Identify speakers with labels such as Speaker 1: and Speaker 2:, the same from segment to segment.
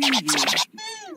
Speaker 1: Preview.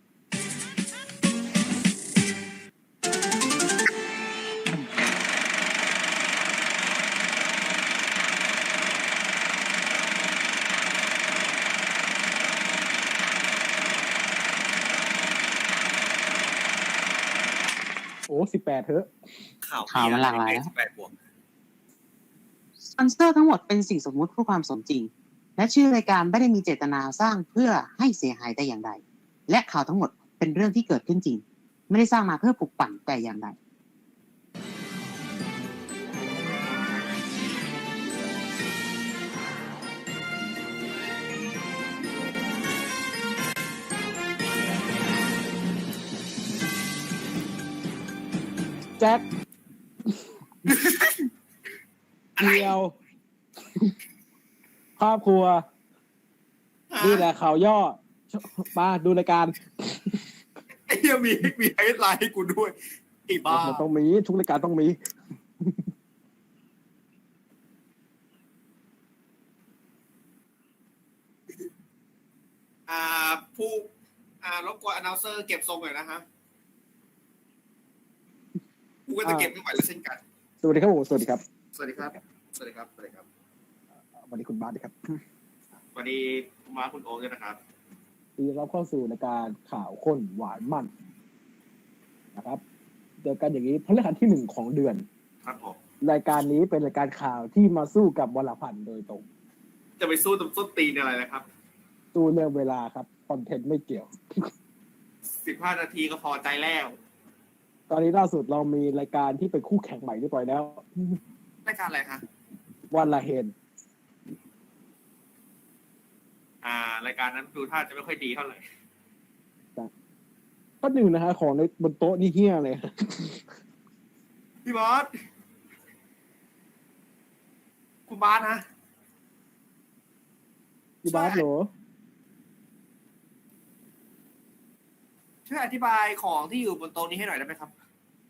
Speaker 2: โอ้18เถอะ
Speaker 3: ข่าวมันหลากหลายนะ
Speaker 1: 18 บวกสปอนเซอร์ทั้งหมดเป็นสิ่งสมมุติเพื่อความสมจริงและชื่อรายการไม่ได้มีเจตนาสร้างเพื่อให้เสียหายแต่อย่างใดและข่าวทั้งหมดเป็นเรื่องที่เกิดขึ้นจริงไม่ได้สร้างมาเพื่อปลุกปั่นแต่อย่างใด
Speaker 2: แจ็คเดียวครอบครัวนี่แหละข่าวย่อมาดูรายการ
Speaker 3: ไอ้เหี้ยมีไฮไลท์ให้กูด้วยไอ้บ้า
Speaker 2: มันต้องมีทุกรายการต้องมี
Speaker 3: ผู้รบกวนอนาลเซอร์เก็บทรงหน่อยนะฮะกูก็จะเก็บไม่ไหวแล้วเช่นกัน
Speaker 2: สวัสดีครับผมสวัสดีครับ
Speaker 3: สวัสดีครับสวัสดีครับสวัสดีครับ
Speaker 2: สวัสดีคุณบาสครับ
Speaker 3: สวัสดีคุณมาคุณโอ๊คด้วยนะครับ
Speaker 2: ยินดีรับเข้าสู่รายการข่าวข้นหวานมันนะครับเจอกันอย่างนี้พฤหัสที่1ของเดือน
Speaker 3: ครับผม
Speaker 2: รายการนี้เป็นรายการข่าวที่มาสู้กับวรพันธ์โดยตรง
Speaker 3: จะไปสู้ตรงส้นตีนอะไรนะครับ
Speaker 2: สู้เรื่องเวลาครับคอนเทนต์ไม่เกี่ยว
Speaker 3: 15 นาทีก็พอใจแล้ว
Speaker 2: ตอนนี้ล่าสุดเรามีรายการที่เป็นคู่แข่งใหม่เรียบร้อยแล้ว
Speaker 3: รายการอะไรคะ
Speaker 2: วันละเฮน
Speaker 3: รายการนั้นดูท่าจะไม่ค่อยดีเท่าไหร่
Speaker 2: ก็หนึ่งนะฮะของในบนโต๊ะนี่เฮี้ยเลย
Speaker 3: พี่บอสคุณบาสนะ
Speaker 2: พี่บาสเหรอ
Speaker 3: ช่วยอธิบายของที่อยู่บนโต๊ะนี้ให้หน่อยได้ไหมครับ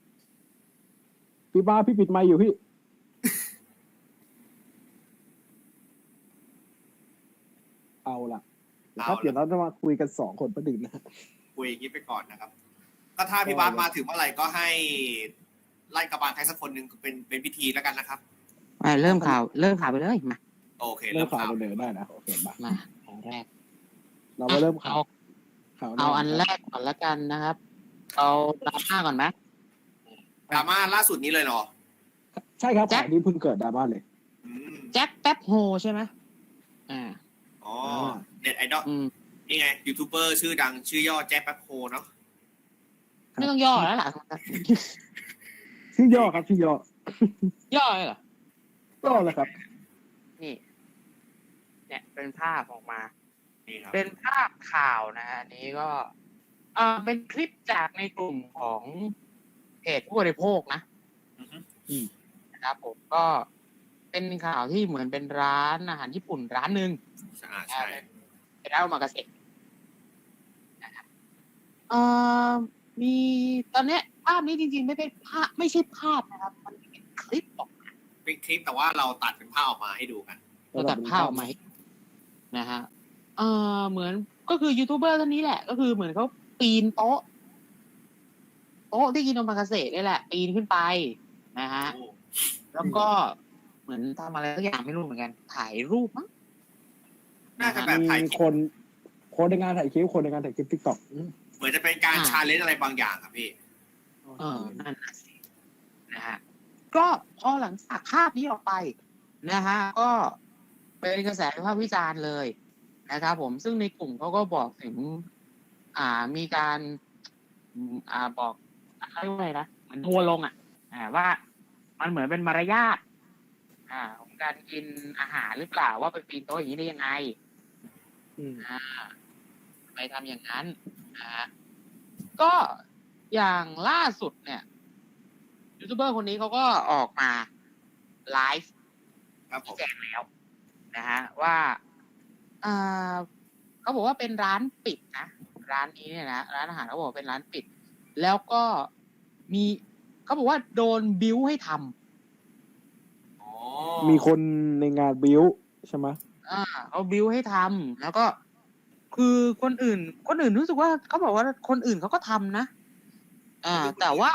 Speaker 2: พี่บาสพี่ปิดไมค์อยู่พี่เอาล่ะครับเดี๋ยวเราจะมาคุยกัน2 คนประเด็นนะ
Speaker 3: คุยอย่างนี้ไปก่อนนะครับก็ถ้าพี่บาสมาถึงเมื่อไหร่ก็ให้ไล่กระบาลใครสักคนหนึ่งเป็นพิธีแล้วกันนะครับ
Speaker 1: เริ่มข่าวไปเลยมา
Speaker 3: โอเค
Speaker 2: เริ่มข่าวไปเลยได้นะโอเค
Speaker 1: มาอันแรก
Speaker 2: เรามาเริ่มข่าว
Speaker 1: เอาอันแรกก่อนละกันนะครับเอาดราม่าก่อนไหม
Speaker 3: ดราม่าล่าสุดนี้เลยเนาะ
Speaker 2: ใช่ครับข่าวนี้เพิ่งเกิดดราม่าเลย
Speaker 1: แจ็คแป๊บโฮใช่ไหม
Speaker 3: อ๋อเน็ตไอดอลนี่ไงยูทูบเบอร์ชื่อดังชื่อย่อแจ็คแป๊บโฮเนาะ
Speaker 1: ไม่ต้องย่อแล้วล่ะ
Speaker 2: ชื่อย่อครับชื่อย่
Speaker 1: เลยเหร
Speaker 2: อย่อเลยครับ
Speaker 1: นี่เนี่ยเป็นภาพออกมาเป็นภาพข่าวนะฮะนี้ก็เป็นคลิปจากในกลุ่มของเพจผู้บริโภคนะครับผมก็เป็นข่าวที่เหมือนเป็นร้านอาหารญี่ปุ่นร้านหนึ่ง
Speaker 3: ใช่
Speaker 1: เป็นร้านโอมากาเสะนะครับมีตอนนี้ภาพนี้จริงๆไม่เป็นภาพไม่ใช่ภาพนะครับมันเป็นคลิปออกมา
Speaker 3: เป็นคลิปแต่ว่าเราตัดเป็นภาพออกมาให้ดูกัน
Speaker 1: เราตัดภาพออกมานะฮะเหมือนก็คือยูทูบเบอร์ท่านนี้แหละก็คือเหมือนเขาปีนโต๊ะที่กินโอมากาเสะนี่แหละปีนขึ้นไปนะฮะแล้วก็เหมือนทำอะไรสักอย่างไม่รู้เหมือนกันถ่ายรูปมั้ง
Speaker 3: น่าจะแบบถ่าย
Speaker 2: คนในงานถ่ายคลิปTikTok
Speaker 3: เหมือนจะเป็นการชาเลนจ์อะไรบางอย่างครับพี่
Speaker 1: นั่นสินะฮะก็พอหลังจากภาพนี้ออกไปนะฮะก็เป็นกระแสวิพากษ์วิจารณ์เลยนะครับผมซึ่งในกลุ่มเขาก็บอกถึงมีการบอกอะไรว่าอะไรนะเหมือนทัวร์ลงว่ามันเหมือนเป็นมารยาทของการกินอาหารหรือเปล่าว่าไปปีนโต๊ะอย่างนี้ได้ยังไงไปทำอย่างนั้นก็อย่างล่าสุดเนี่ยยูทูบเบอร์คนนี้เขาก็ออกมาไลฟ์แจ้งแล้วนะฮะว่าเขาบอกว่าเป็นร้านปิดนะร้านนี้เนี่ยนะร้านอาหารเขาบอกเป็นร้านปิดแล้วก็มีเขาบอกว่าโดนบิ้วให้ท
Speaker 2: ำมีคนในงานบิ้วใช่ไหม
Speaker 1: เขาบิ้วให้ทำแล้วก็คคือคนอื่นรู้สึกว่าเขาบอกว่าคนอื่นเขาก็ทำนะแต่ว่า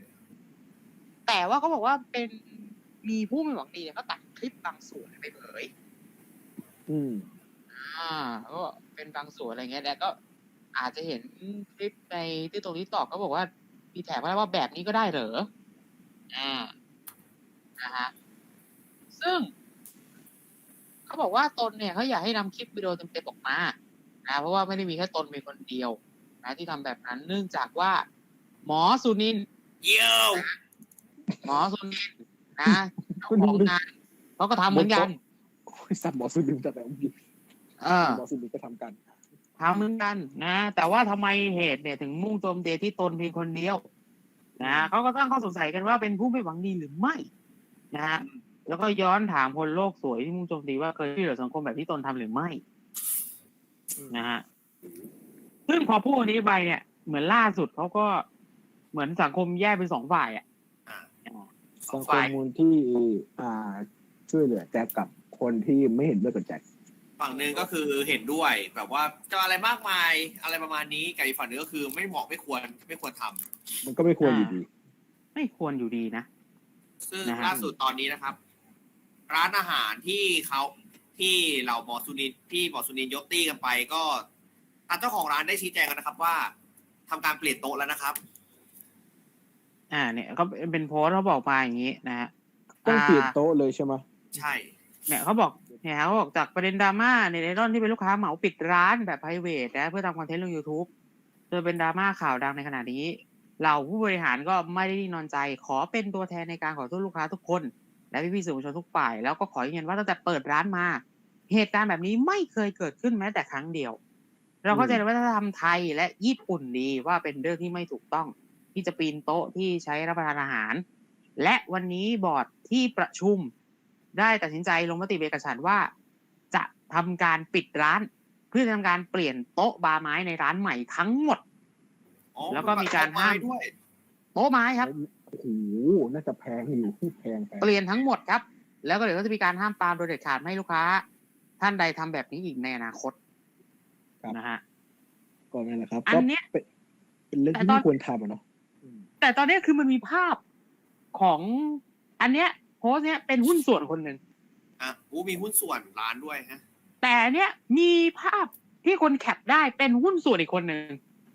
Speaker 1: เขาบอกว่าเป็นมีผู้ไม่หวังดีเนี่ยเขาตัดคลิปบางส่วนไปเผยก็เป็นบางส่วนอะไรเงี้ยแล้วก็อาจจะเห็นคลิปในที่ตรงนี้ตอบเขาบอกว่ามีแถบว่าแบบนี้ก็ได้เหรอนะฮะซึ่งเขาบอกว่าตนเนี่ยเขาอยากให้นำคลิปวิดีโอเต็มๆออกมานะเพราะว่าไม่ได้มีแค่ตนมีคนเดียวนะที่ทำแบบนั้นเนื่องจากว่าหมอสุนินท์หมอสุนินท์นะของงานเขาก็ทำเหมือนกัน
Speaker 2: สัตว์หมอสุนินท์แต่แบบหมอสุนินท์ก็ทำกัน
Speaker 1: เหมือนกันนะแต่ว่าทำไมเหตุเนี่ยถึงมุ่งโจมตีที่ตนเพียงคนเดียวนะเขาก็ตั้งข้อสงสัยกันว่าเป็นผู้ไม่หวังดีหรือไม่นะฮะแล้วก็ย้อนถามคนโลกสวยที่มุ่งโจมตีว่าเคยช่วยเหลือสังคมแบบที่ตนทำหรือไม่นะฮะซึ่งพอพูดนี้ไปเนี่ยเหมือนล่าสุดเขาก็เหมือนสังคมแยกเป็นสองฝ่าย
Speaker 2: สังคมมูลที่ช่วยเหลือแจ็คกับคนที่ไม่เห็นด้วยกับแจ็ค
Speaker 3: ฝั่งหนึ่งก็คือเห็นด้วยแบบว่าจะอะไรมากมายอะไรประมาณนี้กับอีกฝั่งหนึ่งก็คือไม่เหมาะไม่ควรทำ
Speaker 2: มันก็ไม่ควรอยู่ดี
Speaker 1: ไม่ควรอยู่ดีนะ
Speaker 3: ซึ่งล่าสุดตอนนี้นะครับร้านอาหารที่เราหมอสุนินยกตี้กันไปก็ทางเจ้าของร้านได้ชี้แจงกันนะครับว่าทำการเปลี่ยนโต๊ะแล้วนะครับ
Speaker 1: เนี่ยก็เป็นโพสต์เขาบอกมาอย่างนี้นะฮะ
Speaker 2: ต้องเปลี่ยนโต๊ะเลยใช่ไหม
Speaker 3: ใช่
Speaker 1: เนี่ยเขาบอกจากประเด็นดราม่าในไอรอนที่เป็นลูกค้าเหมาปิดร้านแบบ private นะเพื่อทำคอนเทนต์ลง YouTube จนเป็นดราม่าข่าวดังในขณะนี้เหล่าผู้บริหารก็ไม่ได้นอนใจขอเป็นตัวแทนในการขอโทษลูกค้าทุกคนและพี่ๆสื่อมวลชนทุกฝ่ายแล้วก็ขอยืนยันว่าตั้งแต่เปิดร้านมาเหตุการณ์แบบนี้ไม่เคยเกิดขึ้นแม้แต่ครั้งเดียวเราเข้าใจในวัฒนธรรมไทยและญี่ปุ่นดีว่าเป็นเรื่องที่ไม่ถูกต้องที่จะปีนโต๊ะที่ใช้รับประทานอาหารและวันนี้บอร์ดที่ประชุมได้ตัดสินใจลงมติเอกฉันท์ว่าจะทำการปิดร้านเพื่อทำการเปลี่ยนโต๊ะบาร์ไม้ในร้านใหม่ทั้งหมดแล้วก็มีการห้ามโต๊ะไม้ครับ
Speaker 2: โอ้โหน่าจะแพงอยู่แพง
Speaker 1: เปลี่ยนทั้งหมดครับแล้วก็เดี๋ยวก็จะมีการห้ามปรามโดยเด็ดขาดไม่ให้ลูกค้าท่านใดทำแบบนี้อีกในอนาคตนะฮะ
Speaker 2: ก็นั่นแหละครับอันนี้เป็นเรื่องที่ไม่ควรทำเนาะ
Speaker 1: แต่ตอนนี้คือมันมีภาพของอันเนี้ยโพสเนี้ยเป็นหุ้นส่วนคนหนึ่ง
Speaker 3: มีหุ้นส่วนร้านด้วยฮะ
Speaker 1: แต่เนี้ยมีภาพที่คนแคปได้เป็นหุ้นส่วนอีกคนหนึ่ง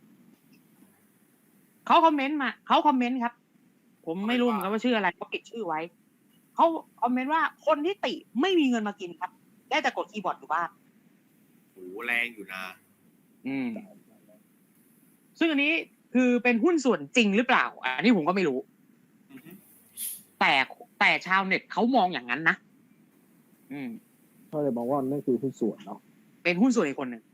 Speaker 1: เขาคอมเมนต์ครับผมไม่รู้เหมือนกันว่าชื่ออะไรเขาปิดชื่อไว้เขาคอมเมนต์ว่าคนที่ติไม่มีเงินมากินครับได้แต่กดคีย์บอร์ดอยู่บ้าน
Speaker 3: โหแรงอยู่นะ
Speaker 1: ซึ่งอันนี้คือเป็นหุ้นส่วนจริงหรือเปล่าอันนี้ผมก็ไม่รู้แต่ชาวเน็ตเขามองอย่างนั้นนะ
Speaker 2: เขาเลยบอกว่านั่นคือหุ้นส่วนเนาะ
Speaker 1: เป็นหุ้นส่วนอีกคนหนึ่ง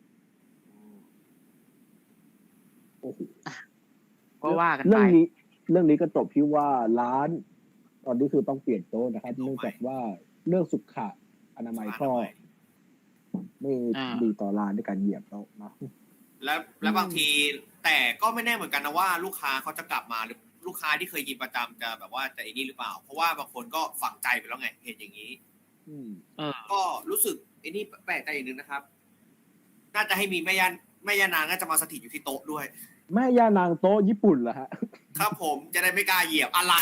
Speaker 1: ก็ว่ากันไป
Speaker 2: เรื่องนี้ก็จบที่ว่าร้านตอนนี้คือต้องเปลี่ยนโต๊ะนะครับเนื่องจากว่าเรื่องสุขอนามัยก็ไม่ดีต่อร้านในการเหยียบโต๊ะนะ
Speaker 3: และบางทีแต่ก็ไม่แน่เหมือนกันนะว่าลูกค้าเขาจะกลับมาหรือลูกค้าที่เคยกินประจำจะแบบว่าจะไอ้นี่หรือเปล่าเพราะว่าบางคนก็ฝังใจไปแล้วไงเห็นอย่างนี้ก็รู้สึกไอ้นี่แปลกใจอย่างนึงนะครับน่าจะให้มีแม่ย่านางน่าจะมาสถิตอยู่ที่โต๊ะด้วย
Speaker 2: แม่ย่านางโต๊ะญี่ปุ่นเหรอฮะ
Speaker 3: ครับผมจะได้ไม่กล้าเหยียบอะไร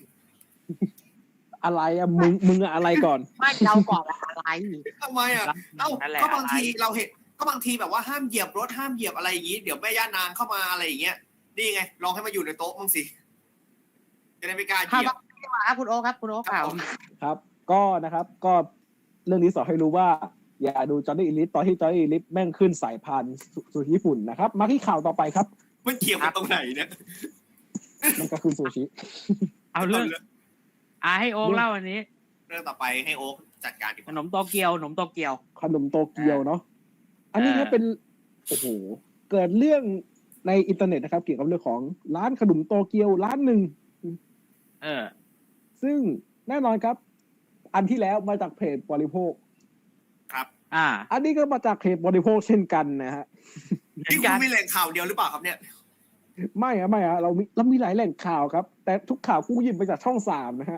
Speaker 2: อะมึงอะไรก่อน
Speaker 1: ไม่เราก่อนอะไร
Speaker 3: ทำไมก็บางทีเราเห็นก็บางทีแบบว่าห้ามเหยียบรถห้ามเหยียบอะไรอย่างนี้เดี๋ยวแม่ย่านางเข้ามาอะไรอย่างเงี้ยนี่ไงลองให้มาอยู่ในโต๊ะมั้งสิจะได้ไม่กล้าเหยียบ
Speaker 1: คุณโอ๊คครับคุณโอ๊ค
Speaker 2: ครับก็นะครับก็เรื่องนี้สอนให้รู้ว่าอย่าดูจอห์นนี่อีลิทตอนที่จอห์นนี่อีลิทแม่งขึ้นสายพานสู่ญี่ปุ่นนะครับมาที่ข่าวต่อไปครับ
Speaker 3: มันเกี่ยวกับตรงไหนเนี่ย
Speaker 2: มันก็คือซูชิ
Speaker 1: เอาเรื่องให้โอ๊คเล่าอันนี้
Speaker 3: เรื่องต่อไปให้โอ๊คจัดการ
Speaker 1: ขนมโตเกียวเ
Speaker 2: นาะอันนี้ก็เป็นโอ้โหเกิดเรื่องในอินเทอร์เน็ตนะครับเกี่ยวกับเรื่องของร้านขนมโตเกียวร้านหนึ่งซึ่งแน่นอนครับอันที่แล้วมาจากเพจบริโภค
Speaker 3: ครับ
Speaker 2: อันนี้ก็มาจากเพจบริโภคเช่นกันนะฮะ
Speaker 3: นี่คุณมีแหล่งข่าวเดียวหรือเปล่าครับเนี่ย
Speaker 2: ไม่เรามีหลายแหล่งข่าวครับแต่ทุกข่าวกูหยิบมาจากช่อง3นะฮะ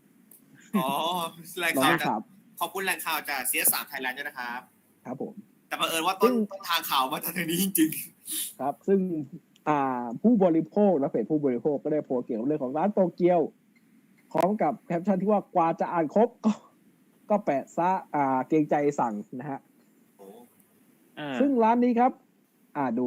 Speaker 3: แหล่งข่าวขอบคุณแหล่งข่าวจาก CS3 Thailand ด้วยนะครับ
Speaker 2: ครับผม
Speaker 3: แต่แต่บังเอิญว่าต้นทางข่าวมาจากทางนี้จริง
Speaker 2: ๆครับซึ่งผู้บริโภคและเพจผู้บริโภคก็ได้โพสต์เกี่ยวกับเรื่องของร้านโตเกียวพร้อมกับแคปชั่นที่ว่ากว่าจะอ่านครบก็แปะซะเกรงใจสั่งนะฮะซึ่งร้านนี้ครับดู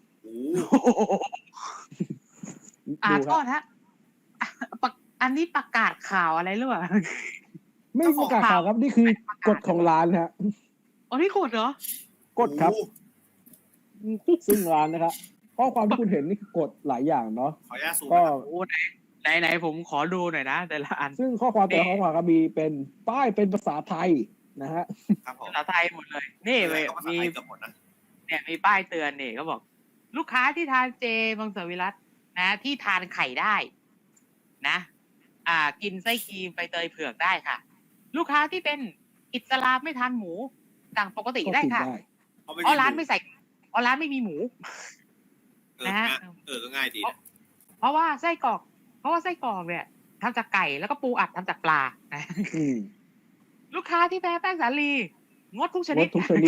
Speaker 1: โทษฮะอันนี้ประกาศข่าวอะไรหรือเปล่า
Speaker 2: ไม่ประกาศข่าวครับนี่คือกฎของร้านฮะ
Speaker 1: อ๋อนี่กฎเหร
Speaker 2: อกฎครับซึ่งร้านนะครับข้อความที่คุณเห็นนี่คือกฎหลายอย่างเนาะ
Speaker 3: ขออนุญาตซูม
Speaker 1: ก็ไหนผมขอดูหน่อยนะแต่ละอัน
Speaker 2: ซึ่งข้อความแต่ละข้อความก็มีเป็นป้ายเป็นภาษาไทยนะฮะ
Speaker 1: ภาษาไทยหมดเลยนี่มีเนี่ยมีป้ายเตือนนี่เขาบอกลูกค้าที่ทานเจมังสวิรัตินะที่ทานไข่ได้นะกินไส้ครีมใบเตยเผือกได้ค่ะลูกค้าที่เป็นอิสลามไม่ทานหมูต่างปกติได้ค่ะเพราะร้านไม่ใส่ร้านไม่มีหมู
Speaker 3: นะฮะก็ง่ายดี
Speaker 1: เพราะว่าไส้กรอกเนี่ยทำจากไก่แล้วก็ปูอัดทำจากปลาลูกค้าที่แพ้แป้งสาลีงดทุกชนิด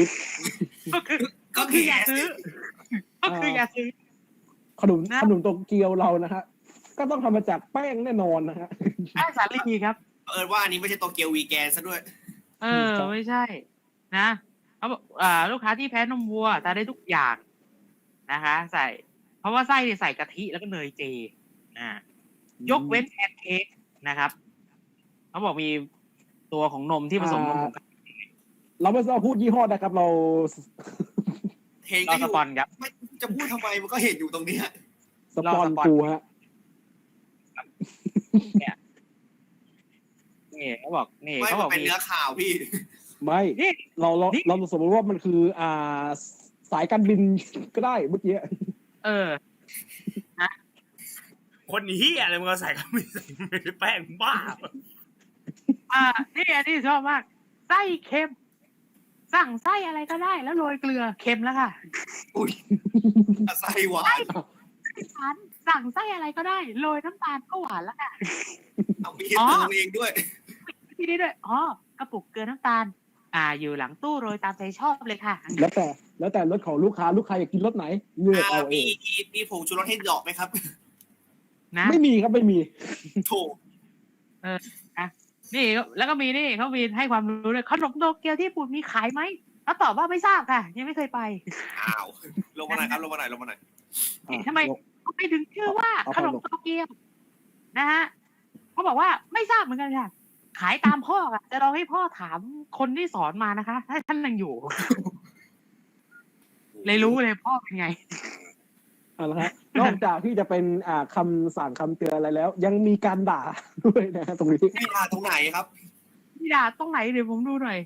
Speaker 1: ก็คืออย่าซื้อ
Speaker 2: ขนมโตเกียวเรานะฮะก็ต้องทำมาจากแป้งแน่นอนนะฮะ
Speaker 1: แป้งสาลีครับ
Speaker 3: ว่าอันนี้ไม่ใช่โตเกียววีแกนซะด้วย
Speaker 1: ไม่ใช่นะเขาบอกลูกค้าที่แพ้นมวัวทานได้ทุกอย่างนะคะใส่เพราะว่าไส้ใส่กะทิแล้วก็เนยเจยกเว้นแพนเค้กนะครับเขาบอกมีตัวของนมที่ผสมนมของ
Speaker 2: เราไม่ต้องพูดยี่ห้อนะครับเรา
Speaker 1: สปอนครับ
Speaker 3: จะพูดทำไมมันก็เห็นอยู่ตรงนี้
Speaker 2: สปอนกูฮะ
Speaker 1: นี่เขาบอก
Speaker 3: เป็นเนื้อข่าวพี่
Speaker 2: ไม่เราสมมติว่ามันคือสายการบินก็ได้เมื่อกี้
Speaker 1: นะ
Speaker 4: คนเหี้ยอะไรมึงเอาใส่กันไม่ใส่แป้งบ้า
Speaker 1: นี่อันนี้ชอบมากไส้เค็มสั่งไส้อะไรก็ได้แล้วโรยเกลือเค็มแล้วค่ะ
Speaker 3: อุ้ยไส้หวาน
Speaker 1: สั่งไส้อะไรก็ได้โรยน้ำตาลก็หวานแล้วค่ะ
Speaker 3: เอามีตัวเองด้วย
Speaker 1: ที่นี่ด้วยกระปุกเกลือน้ำตาลอยู่หลังตู้โรยตามใจชอบเลยค่ะ
Speaker 2: แล้วแต่รสของลูกค้าอยากกินรสไหนเลือกเอาเอง
Speaker 3: มีผงชูรสให้ดอกไหมครับ
Speaker 2: นะไม่มีครับไม่มี
Speaker 3: โถ
Speaker 1: นี่แล้วก็มีนี่เขามีให้ความรู้เลยขนมโตเกียวที่ญี่ปุ่นมีขายไหมเขาตอบว่าไม่ทราบค่ะยังไม่เคยไป
Speaker 3: ลงมาหน่อยครับลงมาหน่อย
Speaker 1: ทำไมเขาไปถึงชื่อว่าขนมโตเกียวนะฮะเขาบอกว่าไม่ทราบเหมือนกันค่ะขายตามพ่อค่ะจะลองให้พ่อถามคนที่สอนมานะคะถ้าท่านยังอยู่เลยรู้เลยพ่อเป็นไง
Speaker 2: ละฮะนอกจากที่จะเป็นคำสั่งคำเตือนอะไรแล้วยังมีการด่าด้วยนะตรงนี้
Speaker 3: มีด่าตรงไหนครับ
Speaker 1: มีด่าตรงไหนเดี๋ยวผมดูหน่อย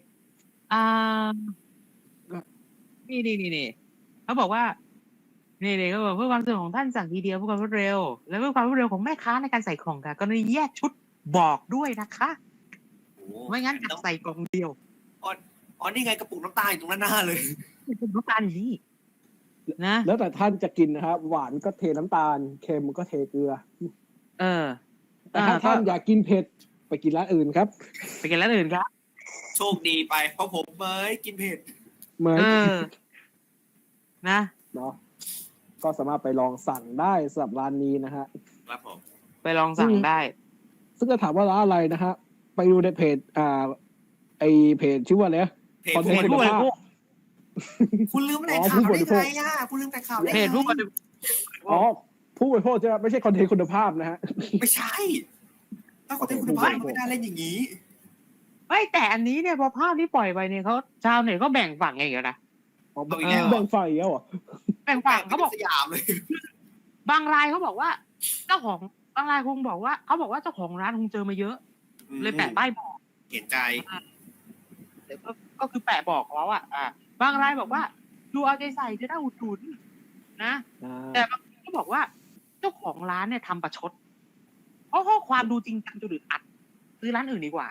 Speaker 1: นี่เขาบอกว่านี่เขาบอกเพื่อความสะดวกของท่านสั่งทีเดียวเพื่อความรวดเร็วและเพื่อความรวดเร็วของแม่ค้าในการใส่ของค่ะกรณีแยกชุดบอกด้วยนะคะไม่งั้นจะใส่กล่องเดียว
Speaker 3: นี่ไงกระปุกน้ำตาลอยู่ตรงนั้นหน้าเลย
Speaker 1: น้ำตาลอยู่นี่นะ
Speaker 2: แล้วแต่ท่านจะกินนะครับหวานก็เทน้ำตาลเค็มก็เทเกลือแต่ถ้าท่านอยากกินเผ็ดไปกินร้านอื่นครับ
Speaker 3: โชคดีไปเพราะผมไม่กินเผ็ด
Speaker 1: นะ
Speaker 2: เนาะก็สามารถไปลองสั่งได้สำหรับร้านนี้นะฮะ
Speaker 3: ครับผม
Speaker 1: ไปลองสั่งได้
Speaker 2: ซึ่งจะถามว่าร้านอะไรนะฮะไปดูในเพจไอเพจชื่อว่าอะไร
Speaker 1: คอนเทนต์คุณภาพ
Speaker 3: คุณลืมแต่ข่าวได้ไงคุณลืมแต่ข่าวได้ไง
Speaker 1: เพจผู้บริโภค
Speaker 2: ผู้บริโภคจะไม่ใช่คอนเทนต์คุณภาพนะฮะ
Speaker 3: ไม่ใช่ถ้าคอนเทนต์คุณภาพไม่ได้เล่นอย่างนี้
Speaker 1: ไม่แต่อันนี้เนี่ยพอภาพที่ปล่อยไปเนี่ยเขาชาวเน็ตก็แบ่งฝั่งไงกันนะ
Speaker 2: แบ่งฝ่ายแล้วเหรอ
Speaker 1: แบ่งฝั่งเขาบอก
Speaker 3: สยามเลย
Speaker 1: บางรายเขาบอกว่าเจ้าของบางรายคงบอกว่าเขาบอกว่าเจ้าของร้านคงเจอมาเยอะเลยแปะป้ายบอก
Speaker 3: เห็นใจ
Speaker 1: ก็คือแปะบอกแล้วบางรายบอกว่าดูเอาใจใส่จะได้อุดหนุนนะแต่บางคนก็บอกว่าเจ้าของร้านเนี่ยทำประชดเพราะข้อความดูจริงจังจนอึดอัดซื้อร้านอื่นดีกว่า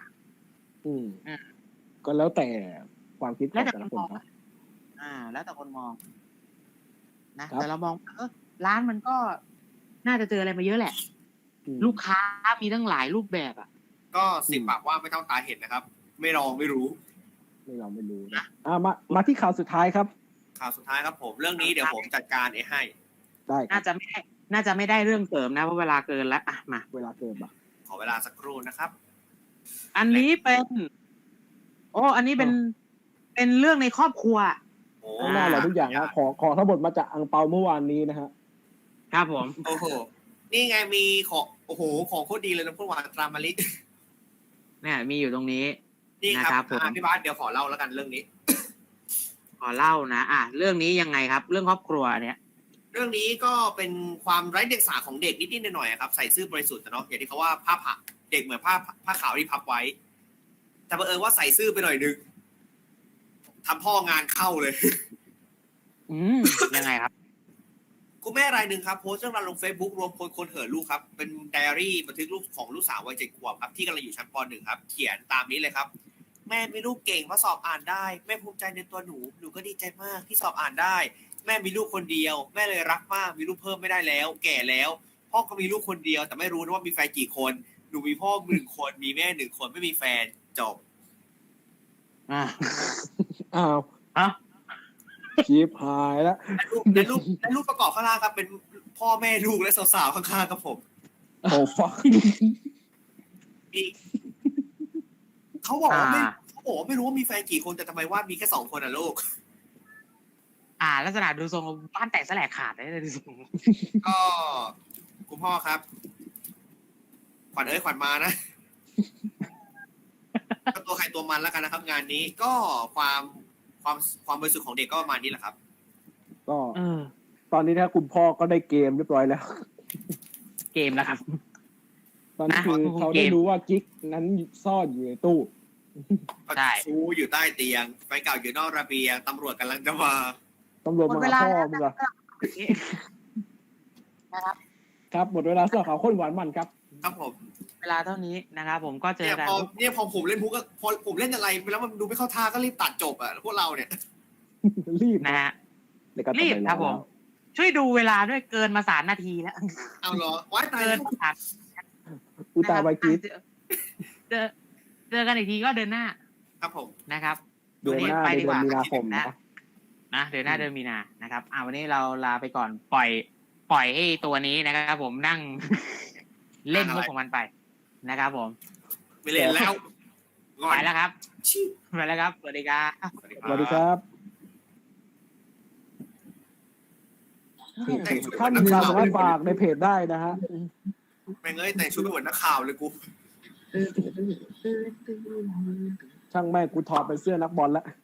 Speaker 2: ก็แล้วแต่ความคิดของแต่ละคนนะ
Speaker 1: แล้วแต่คนมองนะแต่เรามองร้านมันก็น่าจะเจออะไรมาเยอะแหละลูกค้ามีตั้งหลายรูปแบบ
Speaker 3: ก็10 ปากว่าไม่เท่าตาเห็นนะครับไม่ลองไม่รู้
Speaker 2: ไม่ลองไม่รู้
Speaker 1: นะ
Speaker 2: มาที่ข่าวสุดท้ายครับ
Speaker 3: ข่าวสุดท้ายครับผมเรื่องนี้เดี๋ยวผมจัดการให้
Speaker 2: ได้
Speaker 1: น่าจะไม่ได้เรื่องเสริมนะเพราะเวลาเกินแล้วอ่ะมา
Speaker 2: เวลาเกิน
Speaker 3: ขอเวลาสักครู่นะครับ
Speaker 1: อันนี้เป็นอันนี้เป็นเรื่องในครอบครัว
Speaker 3: โอ้
Speaker 2: หน้าเราทุกอย่างนะขอทั้งหมดมาจากอังเปาเมื่อวานนี้นะฮะ
Speaker 1: ครับผม
Speaker 3: โอ้โหนี่ไงมีของโอ้โหของโคตรดีเลยนะพวกหวานตรามะลิ
Speaker 1: เนี่ยมีอยู่ตรงนี้
Speaker 3: นี่ค
Speaker 1: นะครั
Speaker 3: รั
Speaker 1: บบ ผม
Speaker 3: พี่บาสเดี๋ยวขอเล่าแล้วกันเรื่องนี้
Speaker 1: ขอเล่านะเรื่องนี้ยังไงครับ เรื่องครอบครัวเนี่ย
Speaker 3: เรื่องนี้ก็เป็นความไร้เดียงสาของเด็กนิดๆหน่อยๆครับใส่ซื่อบริสุทธิ์เนาะอย่างที่เขาว่าผ้าเด็กเหมือนผ้าขาวที่พับไว้ แต่บังเอิญว่าใส่ซื่อไปหน่อยนึงทำพ่องานเข้าเลย
Speaker 1: ยังไงครับ
Speaker 3: คุณแม่รายหนึ่งครับโพสต์เรื่องราวลง Facebook รวมคนเห่อลูกครับเป็นไดอารี่บันทึกลูกของลูกสาววัย7 ขวบครับที่กำลังอยู่ชั้นป .1 ครับเขียนตามนี้เลยครับแม่มีลูกเก่งเพราะสอบอ่านได้แม่ภูมิใจในตัวหนูก็ดีใจมากที่สอบอ่านได้แม่มีลูกคนเดียวแม่เลยรักมากมีลูกเพิ่มไม่ได้แล้วแก่แล้วพ่อก็มีลูกคนเดียวแต่ไม่รู้นะว่ามีแฟนกี่คนหนูมีพ่อ1 คนมีแม่1 คนไม่มีแฟนจบ
Speaker 2: อ้าวชีพหายแล้ว
Speaker 3: ในรูปประกอบข้างล่างครับเป็นพ่อแม่ลูกและสาวๆข้างๆครับผม
Speaker 2: โอ้ฟัก
Speaker 3: เขาบอกว่าไม่รู้ว่ามีแฟนกี่คนแต่ทำไมว่ามีแค่2 คนอ่ะลูก
Speaker 1: ลักษณะดูทรงบ้านแตกแสลกขาดได้เลยดูทรง
Speaker 3: ก็คุณพ่อครับขวัญขวัญมานะก็ตัวใครตัวมันแล้วกันนะครับงานนี้ก็ความบริสุทธิ์ของเด็กก็ประมาณนี้แหละครับ
Speaker 2: ก็ตอนนี้นะคุณพ่อก็ได้เกมเรียบร้อยแล้ว
Speaker 1: เกมแล้วครับ
Speaker 2: ตอนนี้คือเขาได้รู้ว่ากิ๊กนั้นซ่อนอยู่ในตู้
Speaker 3: ใช่ชูอยู่ใต้เตียงไฟเก่าอยู่นอกระเบียงตำรวจกำลังจะมา
Speaker 2: ตำรวจมาพ่อมึงเหรอ
Speaker 1: นะครับ
Speaker 2: ครับหมดเวลาสำหรับข่าวข้นหวานมันครับ
Speaker 3: ครับผม
Speaker 1: เวลาเท่านี้นะครับผมก็เจอกัน
Speaker 3: เนี่ยพอผมเล่นพุกก็พอผมเล่นอะไรไปแล้วมันดูไม่เข้าท่าก็รีบตัดจบอ่ะพวกเราเนี่ย
Speaker 2: รีบ
Speaker 1: นะฮะรีบครับผมช่วยดูเวลาด้วยเกินมา3 นาทีแล้ว
Speaker 3: เอาเหรอว้ายตาย
Speaker 1: เกิน
Speaker 2: อุตาไวกิส
Speaker 1: เจอกันอีกทีก็เดือนหน้า
Speaker 3: ครับผม
Speaker 1: นะครับ
Speaker 2: เดือนหน้าเดือนมีนาคมนะ
Speaker 1: เดือนหน้าเดือนมีนานะครับวันนี้เราลาไปก่อนปล่อยให้ตัวนี้นะครับผมนั่งเล่นมุกของมันไปนะครับผม
Speaker 3: ไม่เล่นแล้ว
Speaker 1: ไปแล้วครับไปแล้วครับสวัสดีครับ
Speaker 2: สวัสดีครับท่านสามารถฝากในเพจได้นะฮะ
Speaker 3: แม่งแต่งชุดเหมือนนักข่าวเลยกู
Speaker 2: ช่างแม่งกูถอดเป็นเสื้อนักบอลแล้ว